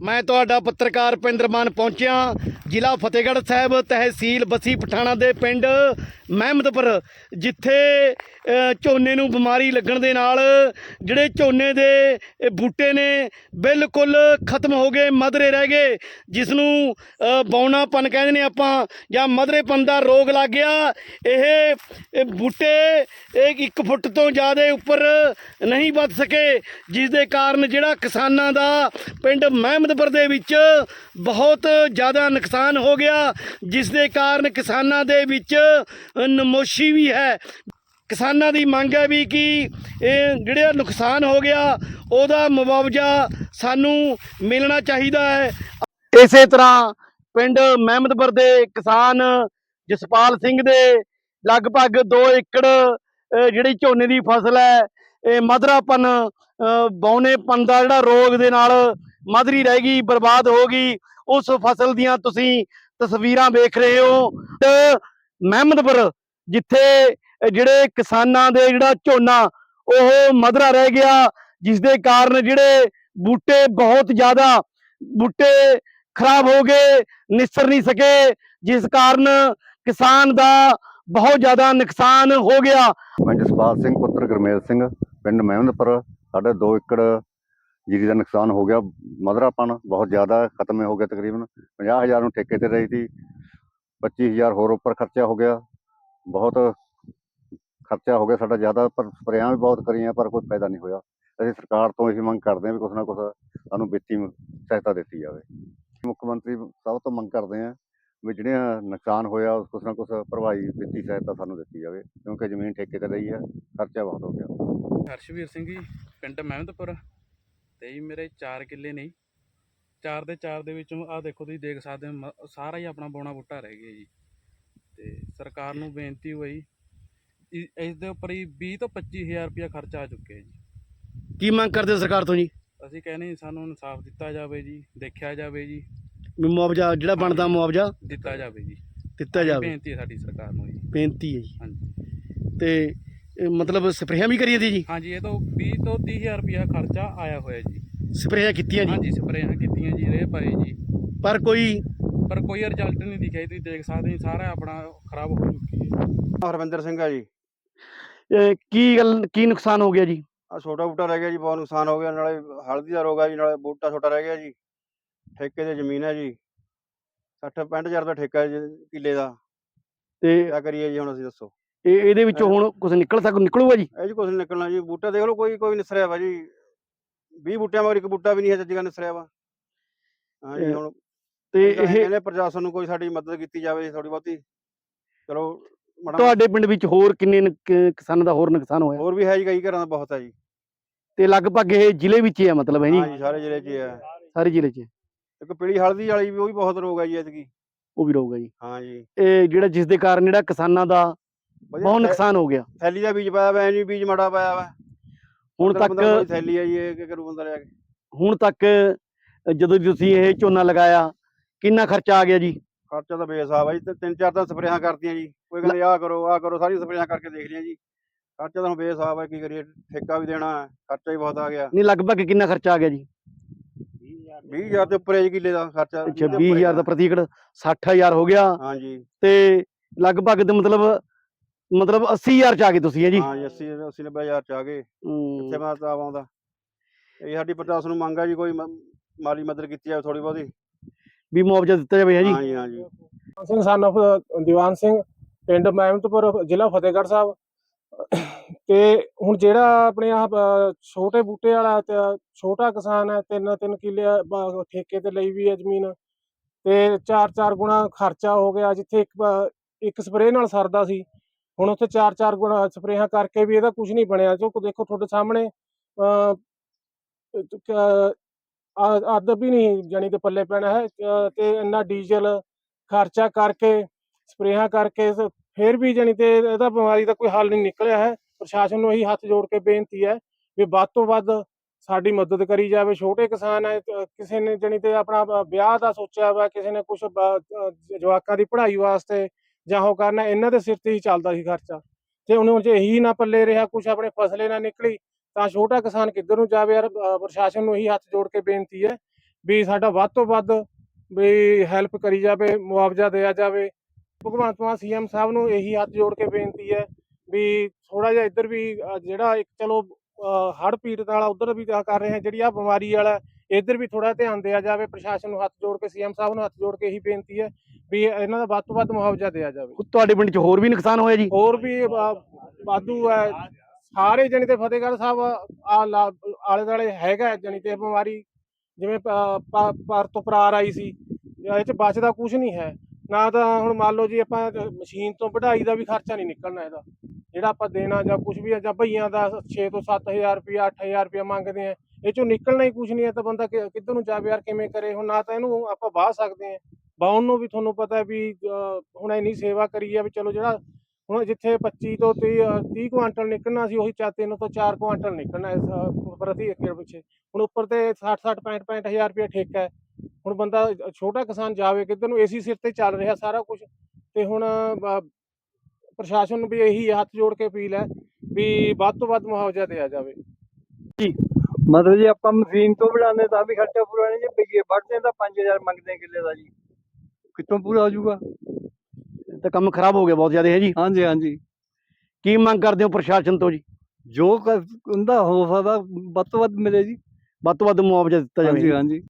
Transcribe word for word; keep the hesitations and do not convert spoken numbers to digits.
मैं तुहाडा पत्रकार पिंड मान पहुंचिया जिला फतेहगढ़ साहब तहसील बसी पठाणा दे पिंड महमदपुर जिथे झोने नूं बिमारी लगण दे नाल जिहड़े झोने दे बूटे ने बिल्कुल खत्म हो गए, मधरे रह गए, जिसनूं बौनापन कहंदे ने आपां जां मधरेपन दा रोग लग गया। ये बूटे एक फुट तो ज़्यादा उपर नहीं वध सके, जिस दे कारण जिहड़ा किसानां दा पिंड महमदपुर दे विच बहुत ज़्यादा नुकसान हो गया, जिस दे कारण किसानां दे विच नमोशी भी है। किसानां दी मंग है भी कि जिहड़ा नुकसान हो गया ਉਹਦਾ मुआवजा सानू मिलना चाहिदा है। इसे तरह पिंड महमदपुर दे किसान जसपाल सिंह दे लगभग दो एकड़ जिहड़ी झोने दी फसल है, ये मधरापन बौनेपन दा जिहड़ा रोग दे नाल मधरी रह गई, बर्बाद हो गई। उस फसल दियां तुसीं तस्वीरां वेख रहे हो। ते महमदपुर जिथे जिहड़े किसानां दे जिहड़ा झोना ओह मधरा रह गया, जिस दे कारण जिहड़े बूटे बहुत ज़्यादा बूटे खराब हो गए, निसर नहीं सके, जिस कारण किसान दा बहुत ज़्यादा नुकसान हो गया। मैं जसपाल सिंह पुत्र गुरमेल सिंह पिंड महमदपुर साढ़े दो एकड़ जीरी का नुकसान हो गया। मधरापन बहुत ज़्यादा खत्म हो गया, तकरीबन पचास हज़ार ठेके ते रही थी, पच्चीस हज़ार होर उपर खर्चा हो गया, बहुत खर्चा हो गया साडा ज़्यादा। पर स्प्रेयां भी बहुत करियां पर कोई फायदा नहीं होया। ਅਸੀਂ सरकार तो यही मंग करते हैं भी कुछ ना कुछ सानू ਵਿੱਤੀ सहायता ਦਿੱਤੀ ਜਾਵੇ। मुख्य मंत्री सब तो मंग करते हैं भी ਜਿਹੜੀਆਂ ਨੁਕਸਾਨ ਹੋਇਆ ਉਸ ਕੁਛ ਨਾ ਕੁਛ ਭਰਵਾਈ ਵਿੱਤੀ ਸਹਾਇਤਾ ਸਾਨੂੰ ਦਿੱਤੀ ਜਾਵੇ, ਕਿਉਂਕਿ ਜ਼ਮੀਨ ਠੇਕੇ ਤੇ ਲਈ ਹੈ, ਖਰਚਾ ਬਹੁਤ ਹੋ ਗਿਆ। ਹਰਸ਼ਵੀਰ ਸਿੰਘ ਜੀ, ਪਿੰਡ ਮਹਿਮਦਪੁਰ ਤੇ ਜੀ ਮੇਰੇ ਚਾਰ ਕਿੱਲੇ ਨੇ। ਚਾਰ ਦੇ ਚਾਰ ਦੇ ਵਿੱਚੋਂ ਆਹ ਦੇਖੋ ਤੁਸੀਂ ਦੇਖ ਸਕਦੇ ਹੋ ਸਾਰਾ ਹੀ ਆਪਣਾ ਬੌਣਾ ਬੂਟਾ ਰਹਿ ਗਿਆ ਜੀ। ਤੇ ਸਰਕਾਰ ਨੂੰ ਬੇਨਤੀ ਹੋਈ ਇਸ ਦੇ ਉੱਪਰ ਹੀ ਵੀਹ ਤੋਂ ਪੱਚੀ ਹਜ਼ਾਰ ਰੁਪਇਆ ਖਰਚਾ ਆ ਚੁੱਕਿਆ ਜੀ। ਕੀ ਮੰਗ ਕਰਦੇ ਸਰਕਾਰ ਤੋਂ ਜੀ? ਅਸੀਂ ਕਹਿੰਦੇ ਸਾਨੂੰ ਇਨਸਾਫ ਦਿੱਤਾ ਜਾਵੇ ਜੀ, ਦੇਖਿਆ ਜਾਵੇ ਜੀ, ਮੁਆਵਜ਼ਾ ਜਿਹੜਾ ਬਣਦਾ ਮੁਆਵਜ਼ਾ ਦਿੱਤਾ ਜਾਵੇ ਜੀ, ਦਿੱਤਾ ਜਾਵੇ। ਬੇਨਤੀ ਹੈ ਸਾਡੀ ਸਰਕਾਰ ਨੂੰ ਜੀ, ਬੇਨਤੀ ਹੈ ਜੀ। ਹਾਂਜੀ ਤੇ ਇਹ ਮਤਲਬ ਸਪਰੇਆਂ ਵੀ ਕਰੀਆਂ ਦੀ ਜੀ? ਹਾਂਜੀ, ਇਹ ਤੋਂ ਵੀਹ ਤੋਂ ਤੀਹ ਹਜ਼ਾਰ ਰੁਪਇਆ ਖਰਚਾ ਆਇਆ ਹੋਇਆ ਜੀ। ਸਪਰੇਆਂ ਕੀਤੀਆਂ ਜੀ? ਹਾਂਜੀ ਸਪਰੇਆਂ ਕੀਤੀਆਂ ਜੀ, ਰੇਹ ਪਾਏ ਜੀ, ਪਰ ਕੋਈ ਪਰ ਕੋਈ ਰਿਜ਼ਲਟ ਨਹੀਂ ਦਿਖਿਆ। ਤੁਸੀਂ ਦੇਖ ਸਕਦੇ ਸਾਰਾ ਆਪਣਾ ਖਰਾਬ ਹੋ ਚੁੱਕੀ ਹੈ। ਹਰਵਿੰਦਰ ਸਿੰਘ ਆ ਜੀ। ਇਹ ਕੀ ਗੱਲ ਕੀ ਨੁਕਸਾਨ ਹੋ ਗਿਆ ਜੀ? ਆ ਛੋਟਾ ਬੂਟਾ ਰਹਿ ਗਿਆ ਜੀ, ਬਹੁਤ ਨੁਕਸਾਨ ਹੋ ਗਿਆ। ਨਾਲੇ ਹਲਦੀ ਦਾ ਰੋਗ ਆ ਜੀ, ਨਾਲੇ ਬੂਟਾ ਛੋਟਾ ਰਹਿ ਗਿਆ ਜੀ। ਠੇਕੇ ਤੇ ਜ਼ਮੀਨ ਹੈ ਜੀ, ਸੱਠ ਪੈਂਹਠ ਹਜ਼ਾਰ ਦਾ ਠੇਕਾ ਜੀ ਕਿੱਲੇ ਦਾ। ਤੇ ਕਿਆ ਕਰੀਏ ਜੀ ਹੁਣ ਅਸੀਂ, ਦੱਸੋ। ਇਹ ਇਹਦੇ ਵਿੱਚੋਂ ਹੁਣ ਕੁਝ ਨਿਕਲ ਸਕ ਨਿਕਲੂਗਾ ਜੀ? ਇਹ ਜੀ ਕੁਛ ਨੀ ਨਿਕਲਣਾ ਜੀ। ਬੂਟਾ ਦੇਖ ਲਓ, ਕੋਈ ਕੋਈ ਨਿਸਰਿਆ ਵਾ ਜੀ। ਵੀਹ ਬੂਟਿਆਂ ਮਗਰ ਇੱਕ ਬੂਟਾ ਵੀ ਨਹੀਂ ਹੈ ਚੱਜ ਦਾ ਨਿਸਰਿਆ ਵਾ। ਹਾਂ ਜੀ, ਹੁਣ ਤੇ ਇਹ ਇਹ ਕਹਿੰਦੇ ਪ੍ਰਸ਼ਾਸਨ ਨੂੰ ਕੋਈ ਸਾਡੀ ਮਦਦ ਕੀਤੀ ਜਾਵੇ ਥੋੜੀ ਬਹੁਤੀ। ਚਲੋ ਮਾੜਾ ਤੁਹਾਡੇ ਪਿੰਡ ਵਿੱਚ ਹੋਰ ਕਿੰਨੇ ਨੁਕ- ਕਿਸਾਨਾਂ ਦਾ ਹੋਰ ਨੁਕਸਾਨ ਹੋਇਆ? ਹੋਰ ਵੀ ਹੈ ਜੀ, ਕਈ ਘਰਾਂ ਦਾ ਬਹੁਤ ਹੈ ਜੀ। ਤੇ ਲਗਭਗ ਇਹ ਜ਼ਿਲ੍ਹੇ ਵਿੱਚ ਹੀ ਹੈ ਮਤਲਬ ਹੈ ਜੀ? ਹਾਂ ਜੀ, ਸਾਰੇ ਜ਼ਿਲ੍ਹੇ 'ਚ ਹੀ ਹੈ। ਸਾਰੇ ਜ਼ਿਲ੍ਹੇ 'ਚ ਇੱਕ ਪੀਲੀ ਹਲਦੀ ਵਾਲੀ ਵੀ, ਉਹ ਵੀ ਬਹੁਤ ਰੋਗ ਹੈ ਜੀ ਐਤਕੀ। ਉਹ ਵੀ ਰਹੂਗਾ ਜੀ? ਹਾਂ ਜੀ, ਇਹ ਜਿਹੜਾ ਜਿਸ ਦੇ ਕਾਰਨ ਜਿਹੜਾ ਕਿਸਾਨਾਂ ਦਾ ਵਧੀਆ ਬਹੁਤ ਥੈ- ਨੁਕਸਾਨ ਹੋ ਗਿਆ। ਥੈਲੀ ਦਾ ਬੀਜ ਪਾਇਆ ਵਾ, ਐਨੀ ਬੀਜ ਮਾੜਾ ਪਾਇਆ ਵਾ। ਹੁਣ ਪੰਦਰਾਂ- ਪੰਦਰਾਂ ਤੱਕ ਦੀ ਥੈਲੀ ਹੈ ਜੀ, ਇਹ ਕੀ ਕਰੂ ਬੰਦਾ ਲਿਆ ਕੇ। ਹੁਣ ਤੱਕ ਜਦੋਂ ਤੁਸੀਂ ਇਹ ਝੋਨਾ ਲਗਾਇਆ ਕਿੰਨਾ ਖਰਚਾ ਆ ਗਿਆ ਜੀ? ਖਰਚਾ ਤਾਂ ਬੇਹਿਸਾਬ ਆ ਜੀ। ਤੇ ਤਿੰਨ ਚਾਰ ਤਾਂ ਸਪਰੇਆਂ ਕਰਤੀਆਂ ਜੀ। ਕੋਈ ਕਹਿੰਦੇ ਆਹ ਕਰੋ ਆਹ ਕਰੋ, ਸਾਰੀਆਂ ਸਪਰੇਆਂ ਕਰਕੇ ਦੇਖ ਲਿਆ ਜੀ। ਖਰਚਾ ਤਾਂ ਹੁਣ ਬੇਹਿਸਾਬ ਹੈ, ਕੀ ਕਰੀਏ। ਠੇਕਾ ਵੀ ਦੇਣਾ ਹੈ, ਖਰਚਾ ਹੀ ਬਹੁਤ ਆ ਗਿਆ। ਨਹੀਂ ਲਗਭਗ ਕਿੰਨਾ ਖਰਚਾ ਆ ਗਿਆ ਜੀ? ਵੀਹ ਹਜ਼ਾਰ ਦੇ ਉੱਪਰ ਹੈ ਜੀ ਕਿੱਲੇ ਦਾ ਖਰਚਾ। ਅੱਛਾ, ਵੀਹ ਹਜ਼ਾਰ ਦਾ ਪ੍ਰਤੀ ਏਕੜ, ਸੱਠ ਹਜ਼ਾਰ ਹੋ ਗਿਆ। ਹਾਂ ਜੀ, ਤੇ ਲਗਭਗ ਤੇ ਮਤਲਬ ਮਤਲਬ ਅੱਸੀ ਹਜ਼ਾਰ ਚ ਆ ਗਏ ਤੁਸੀਂ ਹੈ ਜੀ? ਹਾਂ ਜੀ, ਅੱਸੀ ਅੱਸੀ ਨੱਬੇ ਹਜ਼ਾਰ ਚ ਆ ਗਏ। ਹੂੰ। ਕਿੱਥੇ ਮੈਂ ਤਾਂ ਆਉਂਦਾ। ਇਹ ਸਾਡੀ ਪ੍ਰਸ਼ਾਸਨ ਨੂੰ ਮੰਗ ਆ ਜੀ, ਕੋਈ ਮ- ਮਾਲੀ ਮਦਦ ਕੀਤੀ ਜਾਵੇ ਥੋੜੀ ਬਹੁਤੀ। ਵੀ ਮੁਆਵਜ਼ਾ ਦਿੱਤਾ ਜਾਵੇ ਹੈ ਜੀ? ਹਾਂ ਜੀ, ਹਾਂ ਜੀ। ਸਿੰਘ ਸਨ ਆਫ ਦੀਵਾਨ ਸਿੰਘ, ਪਿੰਡ ਮਹਿਮਦਪੁਰ, ਜ਼ਿਲ੍ਹਾ ਫਤਿਹਗੜ੍ਹ ਸਾਹਿਬ। ਤੇ ਹੁਣ ਜਿਹੜਾ ਆਪਣੇ ਆਹ ਅ, ਛੋਟੇ ਬੂਟੇ ਵਾਲਾ ਤੇ ਛੋਟਾ ਕਿਸਾਨ ਹੈ, ਤਿੰਨ ਤਿੰਨ ਕਿੱਲੇ ਬ- ਠੇਕੇ ਤੇ ਲਈ ਵੀ ਹੈ ਜ਼ਮੀਨ, ਤੇ ਚਾਰ ਚਾਰ ਗੁਣਾ ਖਰਚਾ ਹੋ ਗਿਆ। ਜਿੱਥੇ ਇੱਕ ਬ- ਇੱਕ ਸਪਰੇਅ ਨਾਲ ਸਰਦਾ ਸੀ, ਹੁਣ ਉੱਥੇ ਚਾਰ ਚਾਰ ਗੁਣਾ ਸਪਰੇਹਾਂ ਕਰਕੇ ਵੀ ਇਹਦਾ ਕੁਝ ਨਹੀਂ ਬਣਿਆ। ਜੋ ਦੇਖੋ ਤੁਹਾਡੇ ਸਾਹਮਣੇ ਅ, ਕ- ਆ- ਅੱਧ ਵੀ ਨਹੀਂ ਜਾਣੀ ਕਿ ਪੱਲੇ ਪੈਣਾ ਹੈ। ਅ, ਤੇ ਇੰਨਾ ਡੀਜ਼ਲ ਖਰਚਾ ਕਰਕੇ ਸਪਰੇਹਾਂ ਕਰਕੇ ਸ- ਫਿਰ ਵੀ ਜਾਣੀ ਤੇ ਇਹਦਾ ਬਿਮਾਰੀ ਦਾ ਕੋਈ ਹੱਲ ਨਹੀਂ ਨਿਕਲਿਆ ਹੈ। ਪ੍ਰਸ਼ਾਸਨ ਨੂੰ ਇਹੀ ਹੱਥ ਜੋੜ ਕੇ ਬੇਨਤੀ ਹੈ ਵੀ ਵੱਧ ਤੋਂ ਵੱਧ ਸਾਡੀ ਮਦਦ ਕਰੀ ਜਾਵੇ। ਛੋਟੇ ਕਿਸਾਨ ਹੈ, ਤੇ ਕਿਸੇ ਨੇ ਜਾਣੀ ਤੇ ਆਪਣਾ ਬ- ਵਿਆਹ ਦਾ ਸੋਚਿਆ ਵਾ, ਕਿਸੇ ਨੇ ਕੁਛ ਬ- ਅ, ਜਵਾਕਾਂ ਦੀ ਪੜ੍ਹਾਈ ਵਾਸਤੇ ਜਾਂ ਉਹ ਕਰਨਾ, ਇਹਨਾਂ ਦੇ ਸਿਰ ਤੇ ਹੀ ਚੱਲਦਾ ਸੀ ਖਰਚਾ। ਤੇ ਉਹਨੂੰ ਜੇ ਇਹੀ ਨਾ ਪੱਲੇ ਰਿਹਾ, ਕੁਛ ਆਪਣੇ ਫਸਲੇ ਨਾ ਨਿਕਲੀ, ਤਾਂ ਛੋਟਾ ਕਿਸਾਨ ਕਿੱਧਰ ਨੂੰ ਜਾਵੇ ਯਾਰ। ਅ, ਪ੍ਰਸ਼ਾਸਨ ਨੂੰ ਇਹੀ ਹੱਥ ਜੋੜ ਕੇ ਬੇਨਤੀ ਹੈ ਵੀ ਸਾਡਾ ਵੱਧ ਤੋਂ ਵੱਧ ਵੀ ਹੈਲਪ ਕਰੀ ਜਾਵੇ, ਮੁਆਵਜ਼ਾ ਦਿਆ ਜਾਵੇ। ਭਗਵੰਤ ਮਾਨ ਸੀ ਐਮ ਸਾਹਿਬ ਨੂੰ ਇਹੀ ਹੱਥ ਜੋੜ ਕੇ ਬੇਨਤੀ ਹੈ ਵੀ ਥੋੜਾ ਜਿਹਾ ਇੱਧਰ ਵੀ ਅ, ਜਿਹੜਾ ਇੱਕ ਚਲੋ ਹੜ੍ਹ ਪੀੜਤ ਵਾਲਾ ਉੱਧਰ ਵੀ ਤਾਂ ਕਰ ਰਹੇ ਹੈ, ਜਿਹੜੀ ਆ ਬਿਮਾਰੀ ਵਾਲਾ ਇੱਧਰ ਵੀ ਥੋੜਾ ਧਿਆਨ ਦਿਆ ਜਾਵੇ। ਪ੍ਰਸ਼ਾਸਨ ਨੂੰ ਹੱਥ ਜੋੜ ਕੇ, ਸੀ ਐਮ ਸਾਹਿਬ ਨੂੰ ਹੱਥ ਜੋੜ ਕੇ ਇਹੀ ਬੇਨਤੀ ਹੈ ਵੀ ਇਹਨਾਂ ਦਾ ਵੱਧ ਤੋਂ ਵੱਧ ਮੁਆਵਜ਼ਾ ਦਿਆ ਜਾਵੇ। ਤੁਹਾਡੇ ਪਿੰਡ 'ਚ ਹੋਰ ਵੀ ਨੁਕਸਾਨ ਹੋਇਆ ਜੀ? ਹੋਰ ਵੀ ਅ, ਵਾਧੂ ਹੈ ਸਾਰੇ ਜਾਣੀ ਤੇ ਫਤਿਹਗੜ੍ਹ ਸਾਹਿਬ ਆ ਆਲੇ ਦੁਆਲੇ ਹੈਗਾ ਜਾਣੀ ਤੇ ਬਿਮਾਰੀ, ਜਿਵੇਂ ਪ- ਪ- ਪਰ ਤੋਂ ਪਰਾਰ ਆਈ ਸੀ, ਇਹ 'ਚ ਬਚਦਾ ਕੁਝ ਨਹੀਂ ਹੈ ਨਾ। ਤਾਂ ਹੁਣ ਮੰਨ ਲਓ ਜੀ ਆਪਾਂ ਮਸ਼ੀਨ ਤੋਂ ਵਢਾਈ ਦਾ ਵੀ ਖਰਚਾ ਨਹੀਂ ਨਿਕਲਣਾ ਇਹਦਾ, ਜਿਹੜਾ ਆਪਾਂ ਦੇਣਾ ਜਾਂ ਕੁਝ ਵੀ ਹੈ, ਜਾਂ ਭਈਆਂ ਦਾ ਛੇ ਤੋਂ ਸੱਤ ਹਜ਼ਾਰ ਰੁਪਇਆ ਅੱਠ ਹਜ਼ਾਰ ਰੁਪਇਆ ਮੰਗਦੇ ਆ, ਇਹ ਚੋਂ ਨਿਕਲਣਾ ਹੀ ਕੁਝ ਨਹੀਂ ਹੈ। ਤਾਂ ਬੰਦਾ ਕਿ- ਕਿੱਧਰ ਨੂੰ ਜਾਵੇ ਯਾਰ, ਕਿਵੇਂ ਕਰੇ? ਹੁਣ ਨਾ ਤਾਂ ਇਹਨੂੰ ਆਪਾਂ ਵਾਹ ਸਕਦੇ ਹਾਂ, ਵਾਹੁਣ ਨੂੰ ਵੀ ਤੁਹਾਨੂੰ ਪਤਾ ਵੀ ਅ, ਹੁਣ ਇੰਨੀ ਸੇਵਾ ਕਰੀ ਆ ਵੀ ਚਲੋ ਜਿਹੜਾ ਹੁਣ ਜਿੱਥੇ ਪੱਚੀ ਤੋਂ ਤੀਹ ਤੀਹ ਕੁਆਂਟਲ ਨਿਕਲਣਾ ਸੀ, ਉਹੀ ਚਾ ਤਿੰਨ ਤੋਂ ਚਾਰ ਕੁਆਂਟਲ ਨਿਕਲਣਾ ਇਸ ਅ, ਪ੍ਰਤੀ ਏਕੜ ਪਿੱਛੇ। ਹੁਣ ਉੱਪਰ ਤੇ ਸੱਠ ਸੱਠ ਪੈਂਹਠ ਪੈਂਹਠ ਹਜ਼ਾਰ ਰੁਪਇਆ ਠੇਕਾ ਹੈ। ਹੁਣ ਬੰਦਾ ਛੋਟਾ ਕਿਸਾਨ ਜਾਵੇ ਕਿੱਧਰ ਨੂੰ? ਏਸੀ ਸਿਰ ਤੇ ਚੱਲ ਰਿਹਾ ਸਾਰਾ ਕੁਝ। ਤੇ ਹੁਣ ਅ, ਪ੍ਰਸ਼ਾਸਨ ਨੂੰ ਵੀ ਇਹੀ ਹੱਥ ਜੋੜ ਕੇ ਅਪੀਲ ਹੈ ਵੀ ਵੱਧ ਤੋਂ ਵੱਧ ਮੁਆਵਜ਼ਾ ਦਿਆ ਜਾਵੇ। ਮਤਲਬ ਜੀ ਆਪਾਂ ਮਸ਼ੀਨ ਤੋਂ ਬਣਾਉਂਦੇ ਤਾਂ ਵੀ ਖਰਚਾ ਪੂਰਾ ਨਹੀਂ, ਜੇ ਬਈਏ ਵੱਢਦੇ ਤਾਂ ਪੰਜ ਹਜ਼ਾਰ ਮੰਗਦੇ ਕਿੱਲੇ ਦਾ ਜੀ, ਕਿੱਥੋਂ ਪੂਰਾ ਹੋ ਜਾਊਗਾ? ਤਾਂ ਕੰਮ ਖਰਾਬ ਹੋ ਗਿਆ ਬਹੁਤ ਜ਼ਿਆਦਾ ਹੈ ਜੀ। ਹਾਂਜੀ ਹਾਂਜੀ, ਕੀ ਮੰਗ ਕਰਦੇ ਹੋ ਪ੍ਰਸ਼ਾਸਨ ਤੋਂ ਜੀ? ਜੋ ਕ- ਹੁੰਦਾ ਹੋ ਸਕਦਾ ਵੱਧ ਤੋਂ ਵੱਧ ਮਿਲੇ ਜੀ। ਵੱਧ ਤੋਂ ਵੱਧ ਮੁਆਵਜ਼ਾ ਦਿੱਤਾ ਜਾਵੇ। ਹਾਂਜੀ ਹਾਂਜੀ।